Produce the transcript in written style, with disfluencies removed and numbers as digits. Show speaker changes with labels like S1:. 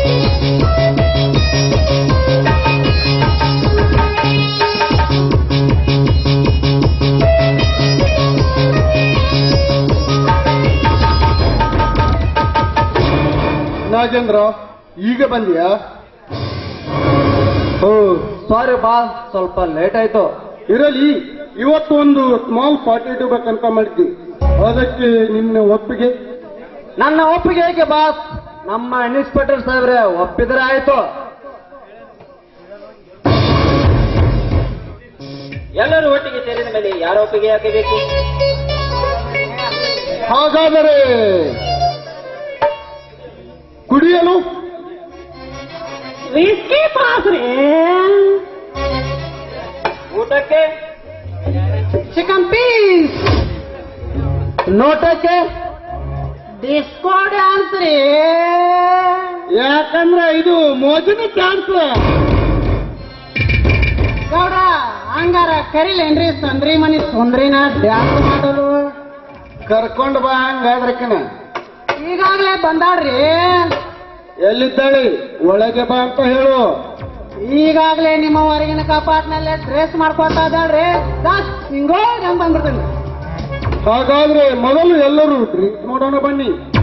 S1: ನಾಗೇಂದ್ರ, ಈಗ ಬಂದಿಯಾ?
S2: ಓ ಸಾರಿ ಬಾ, ಸ್ವಲ್ಪ ಲೇಟ್ ಆಯ್ತು.
S1: ಇರಲಿ, ಇವತ್ತು ಒಂದು ಸ್ಮಾಲ್ ಪಾರ್ಟಿ ಇಡಬೇಕಂತ ಮಾಡಿದ್ವಿ. ಅದಕ್ಕೆ ನಿನ್ನ ಒಪ್ಪಿಗೆ?
S2: ನನ್ನ ಒಪ್ಪಿಗೆ ಹೇಗೆ ಬಾಸ್? ನಮ್ಮ ಇನ್ಸ್ಪೆಕ್ಟರ್ ಸಾಹೇಬ್ರೆ ಒಪ್ಪಿದ್ರೆ ಆಯ್ತು.
S3: ಎಲ್ಲರೂ ಒಟ್ಟಿಗೆ ಸೇರಿದ ಮೇಲೆ ಯಾರ ಒಪ್ಪಿಗೆ ಹಾಕಬೇಕು?
S1: ಹಾಗಾದರೆ ಕುಡಿಯಲು
S4: ವಿಸ್ಕಿ ಪಾಸ್ ರೀ.
S3: ಊಟಕ್ಕೆ
S4: ಚಿಕನ್ ಪೀಸ್.
S2: ನೋಟಕ್ಕೆ
S4: ಡಿಸ್ಕೋ ಡ್ಯಾನ್ಸ್ ರೀ.
S1: ಯಾಕಂದ್ರೆ ಇದು ಮೋಜಿನ ಚಾನ್ಸ್.
S4: ಗೌಡ ಹಂಗಾರ ಕರಿಲೇನ್ರಿ ಸಂದ್ರಿ ಮನಿ ಸುಂದ್ರಿನ ಡ್ಯಾನ್ಸ್ ಮಾಡಲು?
S1: ಕರ್ಕೊಂಡು ಬಾ ಹಂಗಾದ್ರಕ್ಕನ.
S4: ಈಗಾಗಲೇ ಬಂದಾಳ್ರಿ.
S1: ಎಲ್ಲಿದ್ದಾಳೆ? ಒಳಗೆ ಬಾ ಅಂತ ಹೇಳು.
S4: ಈಗಾಗಲೇ ನಿಮ್ಮ ಹೊರಗಿನ ಕಪಾಟ್ನಲ್ಲೇ ಡ್ರೆಸ್ ಮಾಡ್ಕೊತಾ ಇದ್ದಾಳ್ರಿ. ಹಿಂಗೋ ಬಂದ್ಬಿಡ್ತೀನಿ.
S1: ಹಾಗಾದ್ರೆ ಮೊದಲು ಎಲ್ಲರೂ ಡ್ರಿಂಕ್ಸ್ ಮಾಡೋಣ ಬನ್ನಿ.